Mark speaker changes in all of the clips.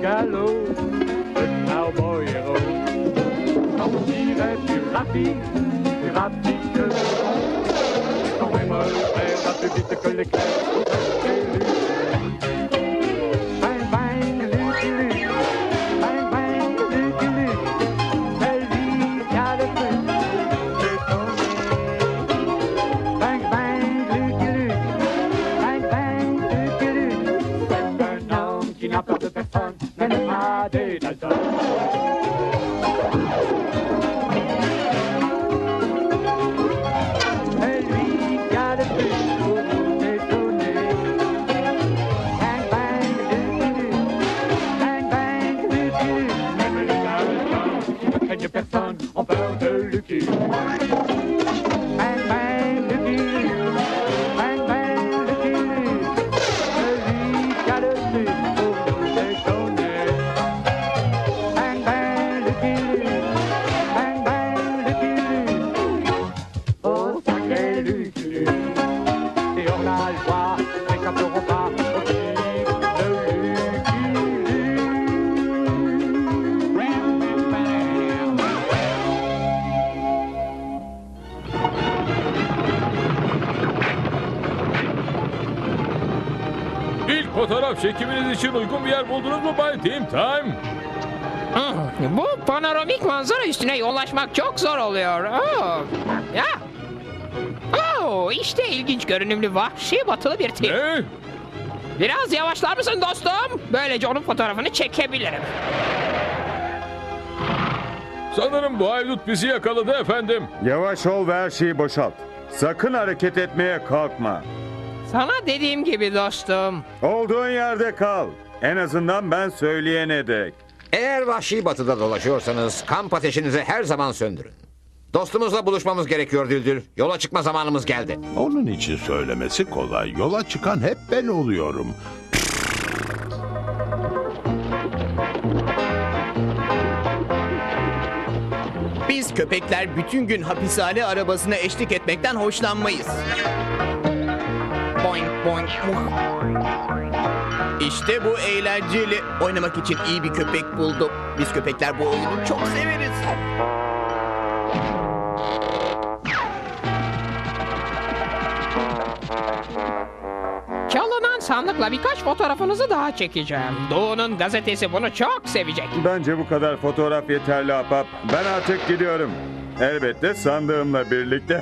Speaker 1: galop, le cowboy héros. Quand on irait plus rapide que quand même le va plus vite que l'éclair. Bang bang, Lucky Luke, bang bang, Lucky Luke, c'est lui qui a le plus détonné. Bang bang, Lucky Luke, bang bang, Lucky Luke, c'est un homme qui n'a peur de personne, même pas des Dalton. Personne en peur de Lucky. Bang bang Lucky Luke, bang bang Lucky Luke, celui qui a le plus pour nous déconner. Bang bang Lucky Luke, bang bang Lucky Luke, oh sacré Lucky Luke. Et on a le droit, n'échapperons pas au tir de Lucky Luke.
Speaker 2: İlk fotoğraf çekiminiz için uygun bir yer buldunuz mu Bay Team Time?
Speaker 3: Bu panoramik manzara üstüne yollaşmak çok zor oluyor. Ya. İşte ilginç görünümlü vahşi batılı bir tip.
Speaker 2: Ne?
Speaker 3: Biraz yavaşlar mısın dostum? Böylece onun fotoğrafını çekebilirim.
Speaker 2: Sanırım bu haydut bizi yakaladı efendim.
Speaker 4: Yavaş ol ve her şeyi boşalt. Sakın hareket etmeye kalkma.
Speaker 3: Sana dediğim gibi dostum.
Speaker 4: Olduğun yerde kal. En azından ben söyleyene dek.
Speaker 5: Eğer vahşi batıda dolaşıyorsanız kamp ateşinizi her zaman söndürün. Dostumuzla buluşmamız gerekiyor Düldül. Yola çıkma zamanımız geldi.
Speaker 6: Onun için söylemesi kolay. Yola çıkan hep ben oluyorum.
Speaker 7: Biz köpekler bütün gün hapishane arabasına eşlik etmekten hoşlanmayız. Boing boing. İşte bu eğlenceli. Oynamak için iyi bir köpek buldum. Biz köpekler bu oyunu çok severiz.
Speaker 3: Çalınan sandıkla birkaç fotoğrafınızı daha çekeceğim. Doğu'nun gazetesi bunu çok sevecek.
Speaker 4: Bence bu kadar fotoğraf yeterli ahbap. Ben artık gidiyorum. Elbette sandığımla birlikte.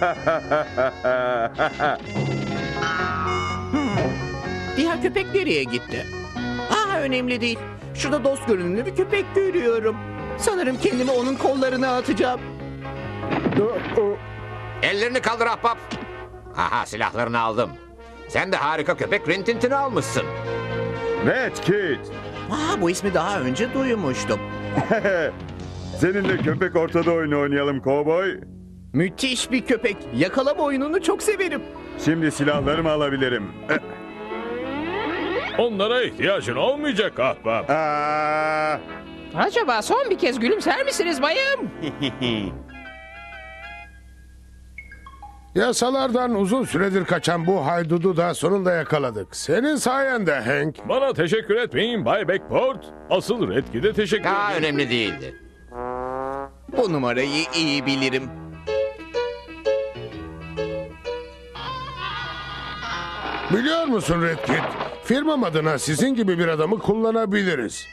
Speaker 7: Diğer köpek nereye gitti? Önemli değil. Şurada dost görünümlü bir köpek görüyorum. Sanırım kendimi onun kollarına atacağım.
Speaker 5: Ellerini kaldır ahbap. Aha, silahlarını aldım. Sen de harika köpek Rintintin'i almışsın.
Speaker 4: Red Kit.
Speaker 7: Bu ismi daha önce duymuştum.
Speaker 4: Seninle köpek ortada oyunu oynayalım kovboy.
Speaker 7: Müthiş bir köpek. Yakalama oyununu çok severim.
Speaker 4: Şimdi silahlarımı alabilirim.
Speaker 2: Onlara ihtiyacın olmayacak ahbap.
Speaker 3: Acaba son bir kez gülümser misiniz bayım?
Speaker 8: Yasalardan uzun süredir kaçan bu haydudu da sonunda yakaladık. Senin sayende Hank.
Speaker 2: Bana teşekkür etmeyin Bay Backport. Asıl Redkid'e teşekkür
Speaker 5: Daha
Speaker 2: ederim.
Speaker 5: önemli değildi.
Speaker 7: Bu numarayı iyi bilirim.
Speaker 8: Biliyor musun Red Kit? Firmam adına sizin gibi bir adamı kullanabiliriz.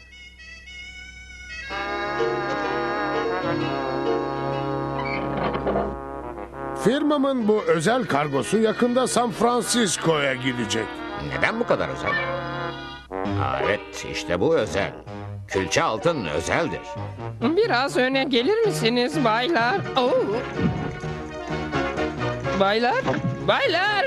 Speaker 8: Firmamın bu özel kargosu yakında San Francisco'ya gidecek.
Speaker 5: Neden bu kadar özel? Evet, işte bu özel. Külçe altın özeldir.
Speaker 3: Biraz öne gelir misiniz baylar? Baylar, baylar.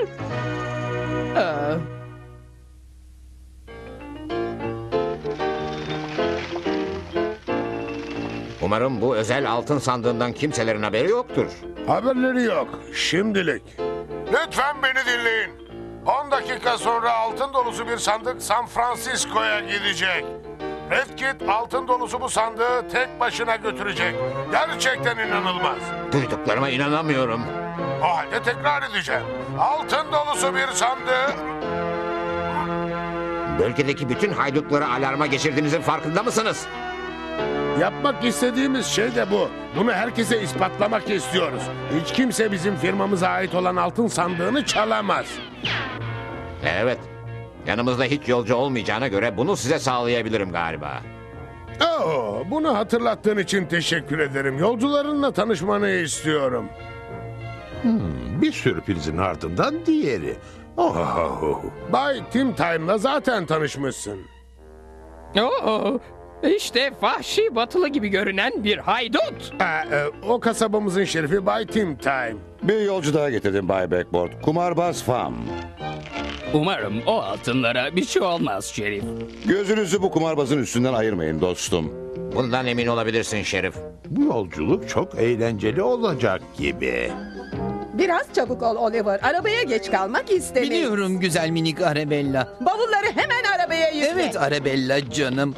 Speaker 5: Umarım bu özel altın sandığından kimselerin haberi yoktur.
Speaker 8: Haberleri yok şimdilik. Lütfen beni dinleyin. 10 dakika sonra altın dolusu bir sandık San Francisco'ya gidecek. Red Kit altın dolusu bu sandığı tek başına götürecek. Gerçekten inanılmaz.
Speaker 5: Duyduklarıma inanamıyorum.
Speaker 8: O halde tekrar edeceğim. Altın dolusu bir sandığı...
Speaker 5: Bölgedeki bütün haydutları alarma geçirdiğinizin farkında mısınız?
Speaker 8: Yapmak istediğimiz şey de bu. Bunu herkese ispatlamak istiyoruz. Hiç kimse bizim firmamıza ait olan altın sandığını çalamaz.
Speaker 5: Evet. Yanımızda hiç yolcu olmayacağına göre bunu size sağlayabilirim galiba.
Speaker 8: Bunu hatırlattığın için teşekkür ederim. Yolcularınla tanışmanı istiyorum.
Speaker 6: Bir sürprizin ardından diğeri. Oh.
Speaker 8: Bay Tim Time'la zaten tanışmışsın.
Speaker 3: Oo, işte vahşi batılı gibi görünen bir haydut.
Speaker 8: O kasabamızın şerifi Bay Tim Time.
Speaker 9: Bir yolcu daha getirdim Bay Backboard. Kumarbaz Fam.
Speaker 10: Umarım o altınlara bir şey olmaz Şerif.
Speaker 9: Gözünüzü bu kumarbazın üstünden ayırmayın dostum.
Speaker 5: Bundan emin olabilirsin Şerif.
Speaker 6: Bu yolculuk çok eğlenceli olacak gibi.
Speaker 11: Biraz çabuk ol Oliver. Arabaya geç kalmak istemeyiz.
Speaker 10: Biliyorum güzel minik Arabella.
Speaker 11: Bavulları hemen arabaya yükle.
Speaker 10: Evet Arabella canım.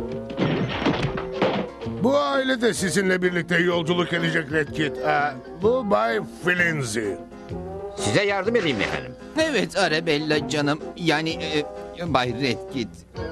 Speaker 8: Bu aile de sizinle birlikte yolculuk edecek Red Kit. Bu Bay Flinzy.
Speaker 5: Size yardım edeyim efendim.
Speaker 10: Evet Arabella canım. Yani Bay Redkit.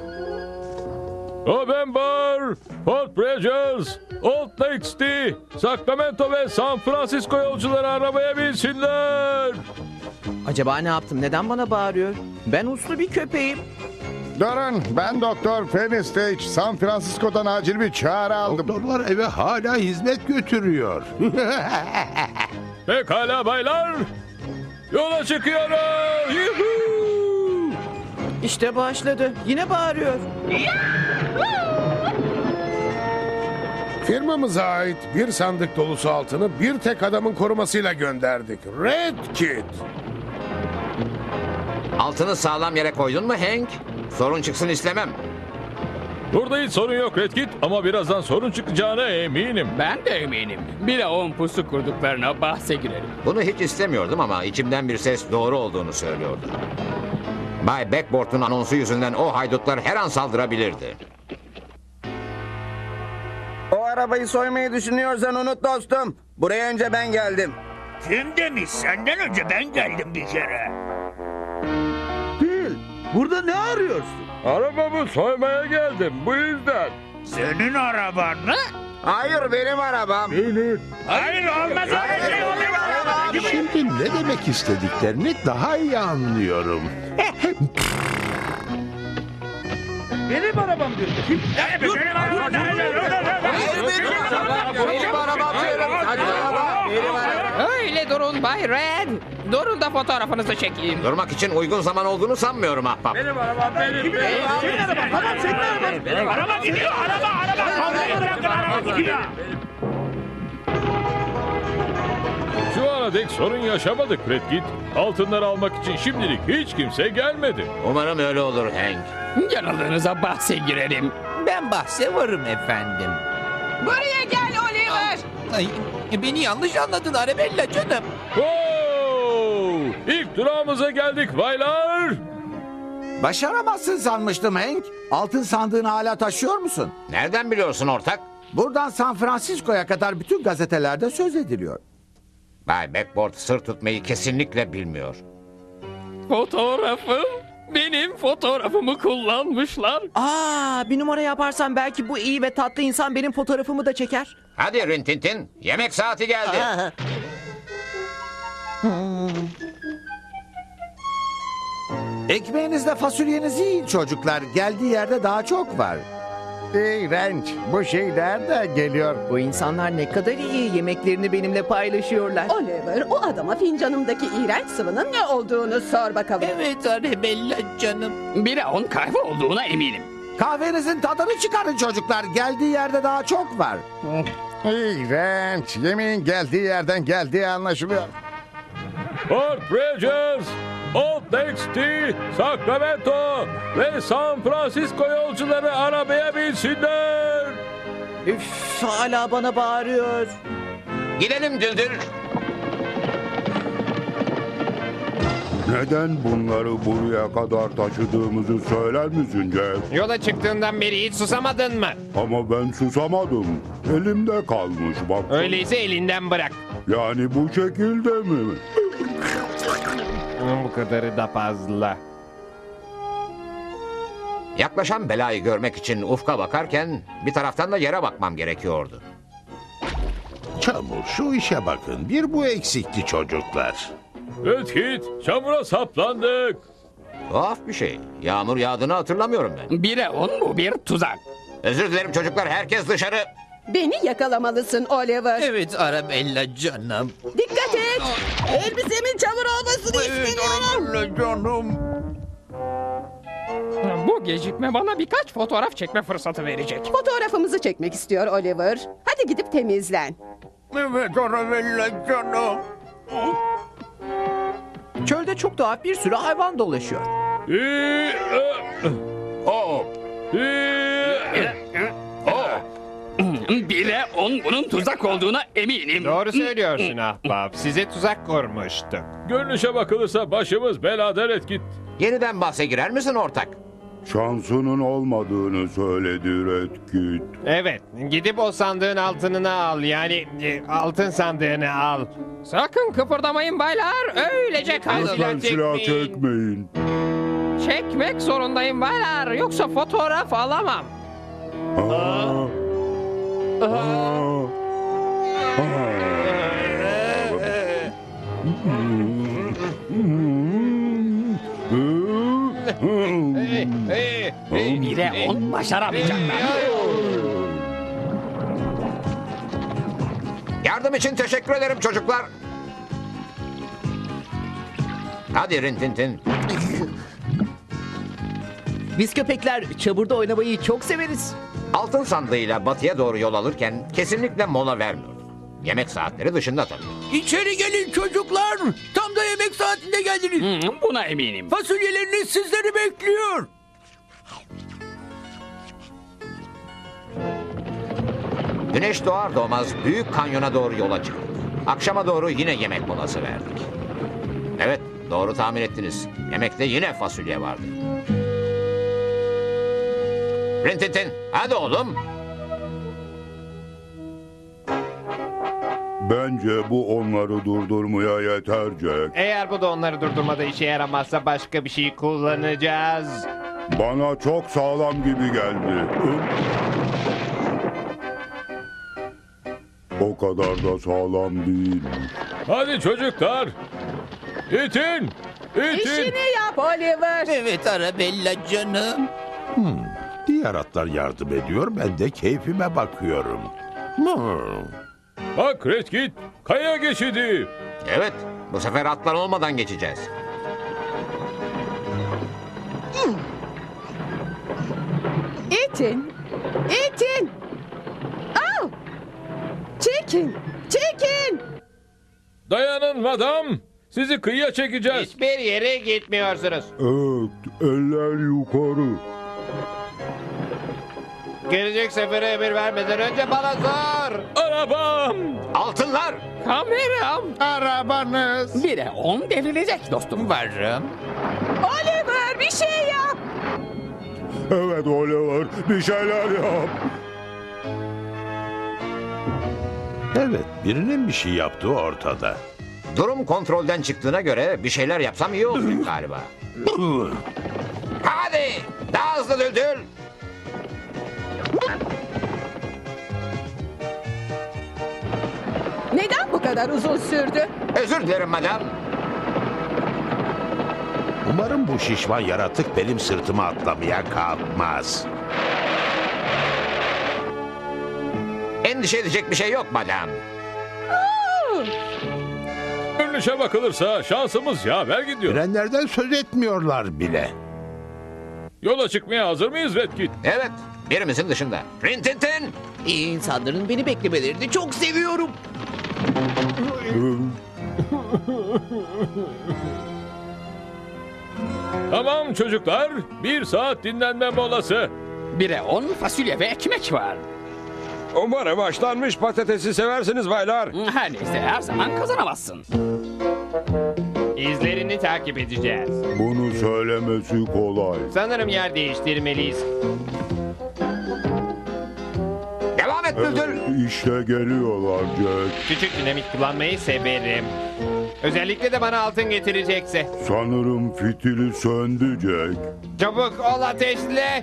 Speaker 2: O ben Bar, Fort Bridges, Old Lake City, Sacramento ve San Francisco yolcuları arabaya binsinler.
Speaker 7: Acaba ne yaptım? Neden bana bağırıyor? Ben uslu bir köpeğim.
Speaker 9: Durun, ben Doktor Penny Stage. San Francisco'dan acil bir çağrı aldım.
Speaker 6: Doktorlar eve hala hizmet götürüyor.
Speaker 2: Pekala baylar, yola çıkıyoruz. Yuhuu!
Speaker 7: İşte başladı. Yine bağırıyor.
Speaker 8: Firmamıza ait bir sandık dolusu altını bir tek adamın korumasıyla gönderdik. Red Kit.
Speaker 5: Altını sağlam yere koydun mu Hank? Sorun çıksın istemem.
Speaker 2: Burada hiç sorun yok Red Kit ama birazdan sorun çıkacağına eminim.
Speaker 10: Ben de eminim. Bir de 10 pusu kurduklarına bahse girerim.
Speaker 5: Bunu hiç istemiyordum ama içimden bir ses doğru olduğunu söylüyordu. Bay Backboard'un anonsu yüzünden o haydutlar her an saldırabilirdi.
Speaker 12: O arabayı soymayı düşünüyorsan unut dostum. Buraya önce ben geldim.
Speaker 1: Kim demiş? Senden önce ben geldim bir kere.
Speaker 12: Bil, burada ne arıyorsun?
Speaker 2: Arabamı soymaya geldim bu yüzden.
Speaker 1: Senin araban mı?
Speaker 12: Hayır benim arabam.
Speaker 1: Hayır olmaz öyle şey olur.
Speaker 6: Şimdi ne demek istediklerini daha iyi anlıyorum.
Speaker 1: Benim arabam diyor. Kim? Benim arabam.
Speaker 12: Benim arabam diyorum. Saçmalama. Benim arabam.
Speaker 3: Öyle durun Bay Red. Durun da fotoğrafınızı çekeyim.
Speaker 5: Durmak için uygun zaman olduğunu sanmıyorum ahbap.
Speaker 1: Benim arabam benim. Senin araban. Tamam senin araban. Benim araba gidiyor. Araba. Bırakın araba gidiyor.
Speaker 2: Şu ana dek sorun yaşamadık Red Kit. Altınları almak için şimdilik hiç kimse gelmedi.
Speaker 5: Umarım öyle olur Hank.
Speaker 10: Yanıldığınıza bahse girerim.
Speaker 7: Ben bahse varım efendim.
Speaker 11: Buraya gel Oliver.
Speaker 10: Ay, beni yanlış anladın Arabella canım.
Speaker 2: İlk durağımıza geldik baylar.
Speaker 12: Başaramazsın sanmıştım Hank. Altın sandığını hala taşıyor musun?
Speaker 5: Nereden biliyorsun ortak?
Speaker 12: Buradan San Francisco'ya kadar bütün gazetelerde söz ediliyor.
Speaker 5: Bay Backboard sır tutmayı kesinlikle bilmiyor.
Speaker 10: Fotoğrafım. Benim fotoğrafımı kullanmışlar.
Speaker 7: Bir numara yaparsan belki bu iyi ve tatlı insan benim fotoğrafımı da çeker.
Speaker 5: Hadi Rintintin, yemek saati geldi.
Speaker 12: Ekmeğinizle fasulyenizi yiyin çocuklar. Geldiği yerde daha çok var.
Speaker 9: İğrenç. Bu şey nereden geliyor?
Speaker 7: Bu insanlar ne kadar iyi yemeklerini benimle paylaşıyorlar.
Speaker 11: Oliver, o adama fincanımdaki iğrenç sıvının ne olduğunu sor bakalım.
Speaker 10: Evet Arabella canım. Bire 10 kahve olduğuna eminim.
Speaker 12: Kahvenizin tadını çıkarın çocuklar. Geldiği yerde daha çok var.
Speaker 9: İğrenç. Yemeğin geldiği yerden geldiği anlaşılıyor.
Speaker 2: Fort Bridges, Old Lake City, Sacramento ve San Francisco yolcuları arabaya binsinler.
Speaker 7: Üf, hala bana bağırıyor.
Speaker 5: Gidelim Düldül.
Speaker 6: Neden bunları buraya kadar taşıdığımızı söyler misin Jeff?
Speaker 3: Yola çıktığından beri hiç susamadın mı?
Speaker 6: Ama ben susamadım. Elimde kalmış bak.
Speaker 3: Öyleyse elinden bırak.
Speaker 6: Yani bu şekilde mi?
Speaker 3: Bu kadarı da fazla.
Speaker 5: Yaklaşan belayı görmek için ufka bakarken bir taraftan da yere bakmam gerekiyordu.
Speaker 13: Çamur, şu işe bakın. Bir bu eksikti çocuklar.
Speaker 2: Redkit, çamura saplandık.
Speaker 5: Tuhaf bir şey. Yağmur yağdığını hatırlamıyorum ben.
Speaker 3: 1'e 10 bu bir tuzak.
Speaker 5: Özür dilerim çocuklar, herkes dışarı.
Speaker 11: Beni yakalamalısın Oliver.
Speaker 10: Evet Arabella canım.
Speaker 11: Dikkat et. Elbisemin çamur olmasını istemiyorum.
Speaker 10: Arabella canım.
Speaker 3: Bu gecikme bana birkaç fotoğraf çekme fırsatı verecek.
Speaker 11: Fotoğrafımızı çekmek istiyor Oliver. Hadi gidip temizlen.
Speaker 10: Evet Arabella canım.
Speaker 7: Çölde çok tuhaf bir sürü hayvan dolaşıyor.
Speaker 8: Oo.
Speaker 3: 1'e 10 bunun tuzak olduğuna eminim.
Speaker 14: Doğru söylüyorsun ahbap. Size tuzak kurmuştuk.
Speaker 2: Görünüşe bakılırsa başımız belada Redkit.
Speaker 5: Yeniden bahse girer misin ortak?
Speaker 6: Şansının olmadığını söyledi Redkit.
Speaker 14: Evet, gidip o sandığın altınını al. Yani altın sandığını al.
Speaker 3: Sakın kıpırdamayın baylar. Öylece kalın.
Speaker 6: Lütfen silah çekmeyin.
Speaker 3: Çekmek zorundayım baylar. Yoksa fotoğraf alamam.
Speaker 6: Aa. Aa.
Speaker 3: Bire 10 başaramayacaklar.
Speaker 5: Yardım için teşekkür ederim çocuklar. Hadi Rintintin.
Speaker 7: Biz köpekler çamurda oynamayı çok severiz.
Speaker 5: Altın sandığıyla batıya doğru yol alırken kesinlikle mola vermiyorduk. Yemek saatleri dışında tabii.
Speaker 10: İçeri gelin çocuklar. Tam da yemek saatinde geldiniz.
Speaker 3: Buna eminim.
Speaker 10: Fasulyeleriniz sizleri bekliyor.
Speaker 5: Güneş doğar doğmaz büyük kanyona doğru yola çıktık. Akşama doğru yine yemek molası verdik. Evet, doğru tahmin ettiniz. Yemekte yine fasulye vardı. Rintintin, hadi oğlum.
Speaker 6: Bence bu onları durdurmaya yetercek.
Speaker 14: Eğer bu da onları durdurmada işe yaramazsa başka bir şey kullanacağız.
Speaker 6: Bana çok sağlam gibi geldi. O kadar da sağlam değil.
Speaker 2: Hadi çocuklar. İtin. İtin.
Speaker 11: İşini yap Oliver.
Speaker 10: Evet Arabella canım.
Speaker 13: Diğer atlar yardım ediyor, ben de keyfime bakıyorum.
Speaker 2: Bak Redkit, kaya geçidi.
Speaker 5: Evet, bu sefer atlar olmadan geçeceğiz.
Speaker 11: İtin. İtin. Al. Çekin. Çekin.
Speaker 2: Dayanın madam. Sizi kıyıya çekeceğiz.
Speaker 14: Hiçbir yere gitmiyorsunuz.
Speaker 6: Evet, eller yukarı.
Speaker 14: Gelecek sefere emir vermeden önce bana sor.
Speaker 2: Arabam.
Speaker 5: Altınlar.
Speaker 3: Kameram.
Speaker 13: Arabanız.
Speaker 3: 1'e 10 devrilecek dostum.
Speaker 10: Varım.
Speaker 11: Oliver bir şey yap.
Speaker 6: Evet Oliver, bir şeyler yap.
Speaker 13: Evet, birinin bir şey yaptığı ortada.
Speaker 5: Durum kontrolden çıktığına göre bir şeyler yapsam iyi olacak galiba. Hadi, daha hızlı Düldül.
Speaker 11: Neden bu kadar uzun sürdü?
Speaker 5: Özür dilerim madam.
Speaker 13: Umarım bu şişman yaratık benim sırtıma atlamaya kalkmaz.
Speaker 5: Endişe edecek bir şey yok madam.
Speaker 2: Görünüşe bakılırsa şansımız yaver gidiyor.
Speaker 13: Frenlerden söz etmiyorlar bile.
Speaker 2: Yola çıkmaya hazır mıyız Redkit?
Speaker 5: Evet, birimizin dışında. Rintintin.
Speaker 7: İyi insanların beni beklemelerini çok seviyorum.
Speaker 2: Tamam çocuklar, 1 saat dinlenme molası.
Speaker 3: 1'e 10 fasulye ve ekmek var.
Speaker 15: Umarım haşlanmış patatesi seversiniz baylar.
Speaker 3: Her neyse her zaman kazanamazsın.
Speaker 14: İzlerini takip edeceğiz.
Speaker 6: Bunu söylemesi kolay.
Speaker 14: Sanırım yer değiştirmeliyiz.
Speaker 5: Devam et Düldül.
Speaker 6: İşte geliyorlar Jack.
Speaker 14: Küçük dinamit kullanmayı severim. Özellikle de bana altın getirecekse.
Speaker 6: Sanırım fitili söndü Jack.
Speaker 14: Çabuk ol ateşle.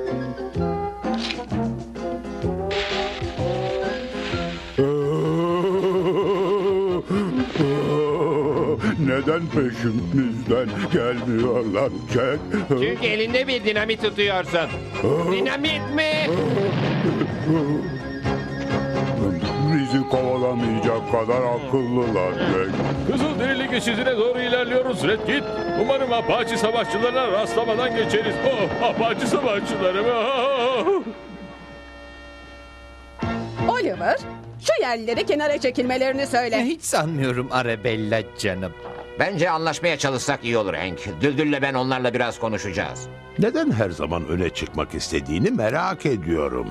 Speaker 6: Neden peşimizden gelmiyorlar Jack?
Speaker 14: Çünkü elinde bir dinamit tutuyorsun. Dinamit mi?
Speaker 6: Bizi kovalamayacak kadar akıllılar Jack.
Speaker 2: Kızılderili geçidine doğru ilerliyoruz Redkit. Umarım Apache savaşçılarına rastlamadan geçeriz. Oh, Apache savaşçıları mı?
Speaker 11: Oliver, şu yerlilere kenara çekilmelerini söyle.
Speaker 10: Hiç sanmıyorum Arabella canım.
Speaker 5: Bence anlaşmaya çalışsak iyi olur Hank. Düldül'le ben onlarla biraz konuşacağız.
Speaker 13: Neden her zaman öne çıkmak istediğini merak ediyorum.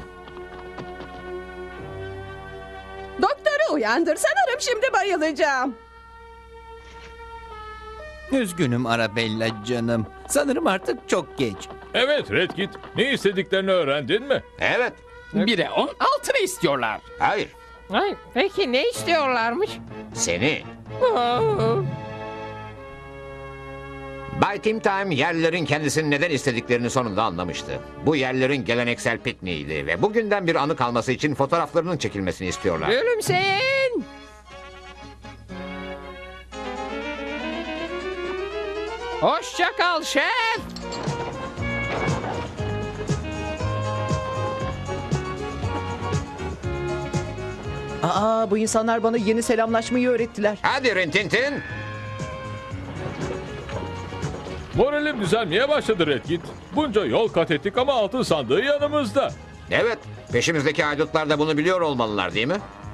Speaker 11: Doktoru uyandır, sanırım şimdi bayılacağım.
Speaker 10: Üzgünüm Arabella canım. Sanırım artık çok geç.
Speaker 2: Evet Redkit. Ne istediklerini öğrendin mi?
Speaker 5: Evet.
Speaker 3: 1'e 10 altını istiyorlar.
Speaker 5: Hayır.
Speaker 3: Ay, peki ne istiyorlarmış?
Speaker 5: Seni.
Speaker 3: Aa,
Speaker 5: Bay Tim Time yerlilerin kendisini neden istediklerini sonunda anlamıştı. Bu yerlilerin geleneksel pikniğiydi ve bugünden bir anı kalması için fotoğraflarının çekilmesini istiyorlar.
Speaker 3: Gülümseyin. Hoşça kal şef.
Speaker 7: Aa, bu insanlar bana yeni selamlaşmayı öğrettiler.
Speaker 5: Hadi Rintintin.
Speaker 2: Moralim düzelmeye başladı Redkit. Bunca yol kat ettik ama altın sandığı yanımızda.
Speaker 5: Evet. Peşimizdeki haydutlar da bunu biliyor olmalılar değil mi?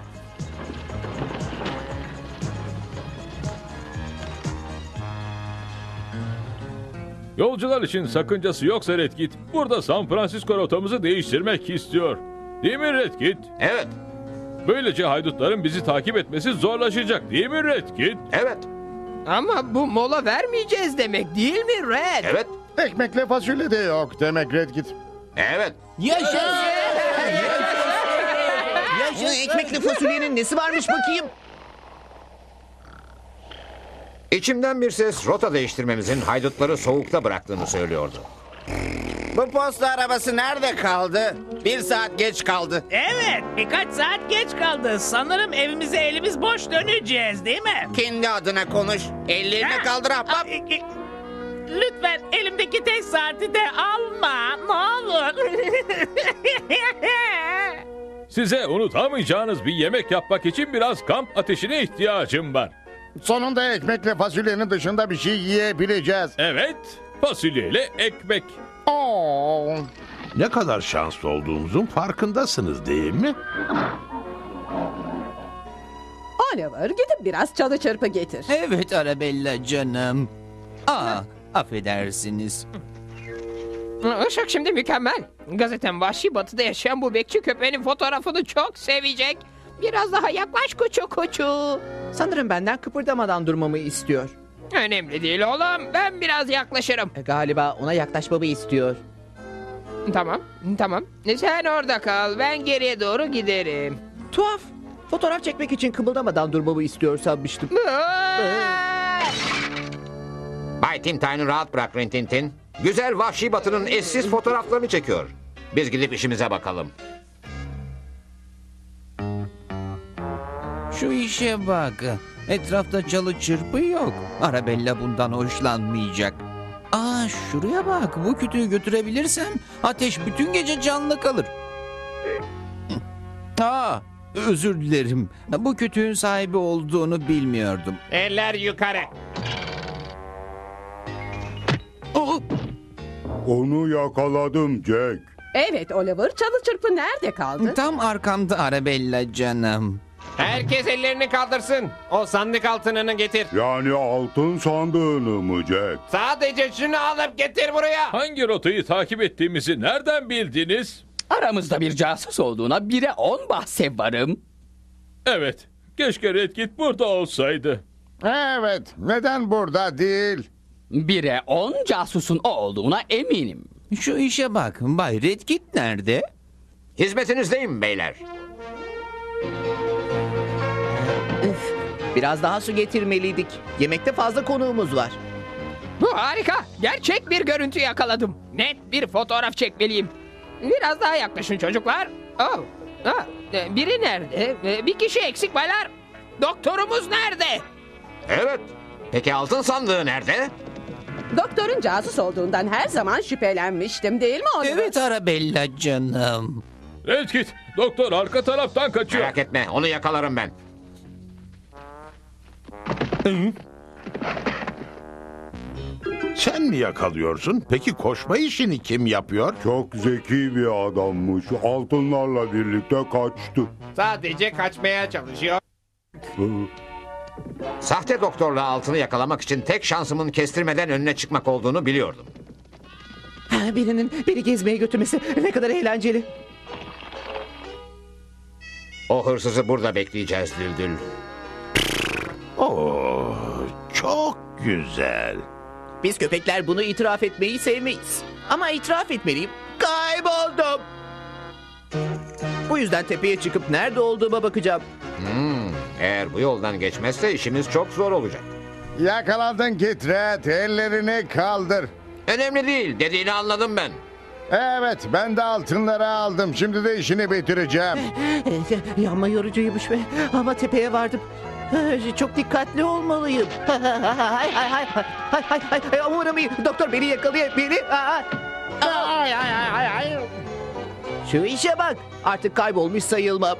Speaker 2: Yolcular için sakıncası yoksa Redkit, burada San Francisco rotamızı değiştirmek istiyor. Değil mi Redkit?
Speaker 5: Evet.
Speaker 2: Böylece haydutların bizi takip etmesi zorlaşacak değil mi Redkit?
Speaker 5: Evet.
Speaker 3: Ama bu mola vermeyeceğiz demek değil mi Red?
Speaker 5: Evet.
Speaker 9: Ekmekle fasulye de yok demek Redkit.
Speaker 5: Evet.
Speaker 7: Ekmekli fasulyenin nesi varmış bakayım?
Speaker 5: İçimden bir ses rota değiştirmemizin haydutları soğukta bıraktığını söylüyordu.
Speaker 12: Bu posta arabası nerede kaldı? 1 saat geç kaldı.
Speaker 16: Evet, birkaç saat geç kaldı. Sanırım evimize elimiz boş döneceğiz, değil mi?
Speaker 12: Kendi adına konuş. Ellerini kaldır ahbap.
Speaker 16: Lütfen elimdeki tek saati de alma, ne olur.
Speaker 2: Size unutamayacağınız bir yemek yapmak için biraz kamp ateşine ihtiyacım var.
Speaker 9: Sonunda ekmekle fasulyenin dışında bir şey yiyebileceğiz.
Speaker 2: Evet, fasulyeyle ekmek.
Speaker 9: Oo.
Speaker 13: Ne kadar şanslı olduğumuzun farkındasınız değil mi?
Speaker 11: Oliver, gidip biraz çalı çırpı getir.
Speaker 10: Evet Arabella canım. Affedersiniz.
Speaker 3: Işık şimdi mükemmel. Gazetem Vahşi Batı'da yaşayan bu bekçi köpeğinin fotoğrafını çok sevecek. Biraz daha yaklaş kuçu kuçu.
Speaker 7: Sanırım benden kıpırdamadan durmamı istiyor.
Speaker 3: Önemli değil oğlum. Ben biraz yaklaşırım.
Speaker 7: Galiba ona yaklaşmamı istiyor.
Speaker 3: Tamam, tamam. Sen orada kal. Ben geriye doğru giderim.
Speaker 7: Tuhaf. Fotoğraf çekmek için kımıldamadan durmamı istiyor sanmıştım.
Speaker 5: Bay Tim Time'ı rahat bırak Rintintin. Güzel Vahşi Batı'nın eşsiz fotoğraflarını çekiyor. Biz gidip işimize bakalım.
Speaker 10: Şu işe bak. Etrafta çalı çırpı yok. Arabella bundan hoşlanmayacak. Şuraya bak. Bu kütüğü götürebilirsem ateş bütün gece canlı kalır. Özür dilerim. Bu kütüğün sahibi olduğunu bilmiyordum.
Speaker 14: Eller yukarı.
Speaker 6: Onu yakaladım Jack.
Speaker 11: Evet Oliver, çalı çırpı nerede kaldı?
Speaker 10: Tam arkamda Arabella canım.
Speaker 14: Herkes ellerini kaldırsın. O sandık altınını getir.
Speaker 6: Yani altın sandığını mı Jack?
Speaker 14: Sadece şunu alıp getir buraya.
Speaker 2: Hangi rotayı takip ettiğimizi nereden bildiniz?
Speaker 17: Aramızda bir casus olduğuna 1'e 10 bahse varım.
Speaker 2: Evet, keşke Redkit burada olsaydı.
Speaker 9: Evet, neden burada değil?
Speaker 17: 1'e 10 casusun o olduğuna eminim.
Speaker 10: Şu işe bak. Bay Redkit nerede?
Speaker 5: Hizmetinizdeyim beyler.
Speaker 7: Biraz daha su getirmeliydik. Yemekte fazla konuğumuz var.
Speaker 3: Bu harika. Gerçek bir görüntü yakaladım. Net bir fotoğraf çekmeliyim. Biraz daha yaklaşın çocuklar. Oh. Biri nerede? Bir kişi eksik baylar. Doktorumuz nerede?
Speaker 5: Evet. Peki altın sandığı nerede?
Speaker 11: Doktorun casus olduğundan her zaman şüphelenmiştim değil mi Oliver?
Speaker 10: Evet Arabella canım.
Speaker 2: Redkit, doktor arka taraftan kaçıyor.
Speaker 5: Merak etme, onu yakalarım ben.
Speaker 13: Sen mi yakalıyorsun? Peki koşma işini kim yapıyor?
Speaker 6: Çok zeki bir adammış. Altınlarla birlikte kaçtı.
Speaker 14: Sadece kaçmaya çalışıyor.
Speaker 5: Sahte doktorla altını yakalamak için tek şansımın kestirmeden önüne çıkmak olduğunu biliyordum.
Speaker 7: Birinin beni gezmeye götürmesi ne kadar eğlenceli.
Speaker 5: O hırsızı burada bekleyeceğiz Düldül.
Speaker 13: Oo, çok güzel.
Speaker 7: Biz köpekler bunu itiraf etmeyi sevmeyiz. Ama itiraf etmeliyim. Kayboldum. Bu yüzden tepeye çıkıp nerede olduğuma bakacağım.
Speaker 5: Eğer bu yoldan geçmezse işimiz çok zor olacak.
Speaker 9: Yakalandın Kit Rat. Ellerini kaldır.
Speaker 5: Önemli değil, dediğini anladım ben.
Speaker 9: Evet, ben de altınları aldım. Şimdi de işini bitireceğim.
Speaker 7: Yanma yorucuymuş be. Ama tepeye vardım. Çok dikkatli olmalıyım. Umarım iyi. Doktor beni yakalayabilir. Şu işe bak. Artık kaybolmuş sayılmam.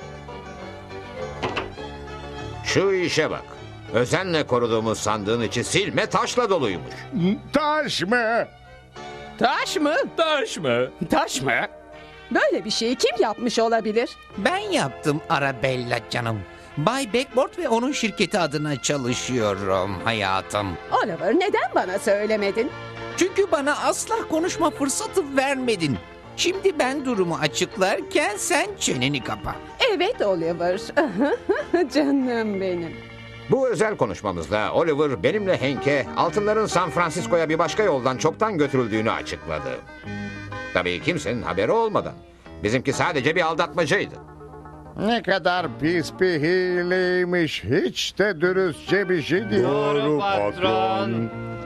Speaker 5: Şu işe bak. Özenle koruduğumuz sandığın içi silme taşla doluymuş.
Speaker 9: Taş mı?
Speaker 3: Taş mı?
Speaker 2: Taş mı?
Speaker 3: Taş mı?
Speaker 11: Böyle bir şeyi kim yapmış olabilir?
Speaker 10: Ben yaptım Arabella canım. Bay Backboard ve onun şirketi adına çalışıyorum hayatım.
Speaker 11: Oliver neden bana söylemedin?
Speaker 10: Çünkü bana asla konuşma fırsatı vermedin. Şimdi ben durumu açıklarken sen çeneni kapa.
Speaker 11: Evet Oliver. Canım benim.
Speaker 5: Bu özel konuşmamızda Oliver benimle Hank'e altınların San Francisco'ya bir başka yoldan çoktan götürüldüğünü açıkladı. Tabii kimsenin haberi olmadan. Bizimki sadece bir aldatmacaydı.
Speaker 9: Ne kadar pis bir hileymiş. Hiç de dürüstçe bir şey değil.
Speaker 14: Doğru patron.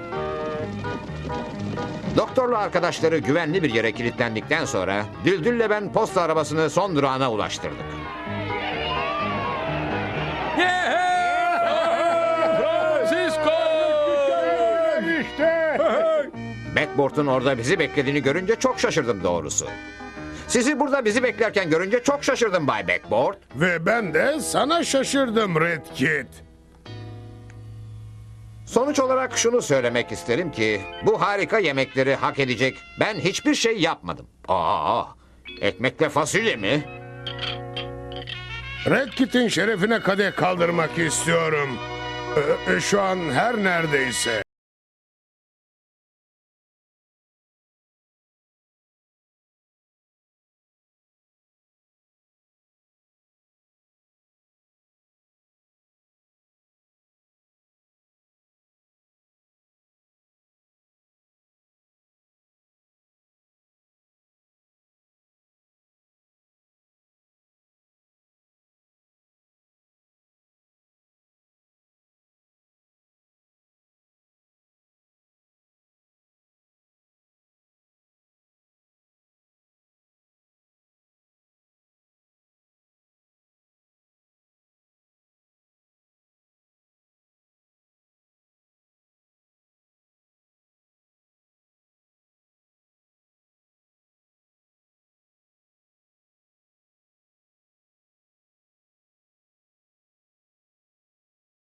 Speaker 5: Doktorla arkadaşları güvenli bir yere kilitlendikten sonra Düldül'le ben posta arabasını son durağına ulaştırdık.
Speaker 2: Francisco!
Speaker 9: İşte.
Speaker 5: Backboard'un orada bizi beklediğini görünce çok şaşırdım doğrusu. Sizi burada bizi beklerken görünce çok şaşırdım Bay Backboard.
Speaker 8: Ve ben de sana şaşırdım Redkit.
Speaker 5: Sonuç olarak şunu söylemek isterim ki bu harika yemekleri hak edecek ben hiçbir şey yapmadım. Ekmekle fasulye mi?
Speaker 8: Redkit'in şerefine kadeh kaldırmak istiyorum. Şu an her neredeyse.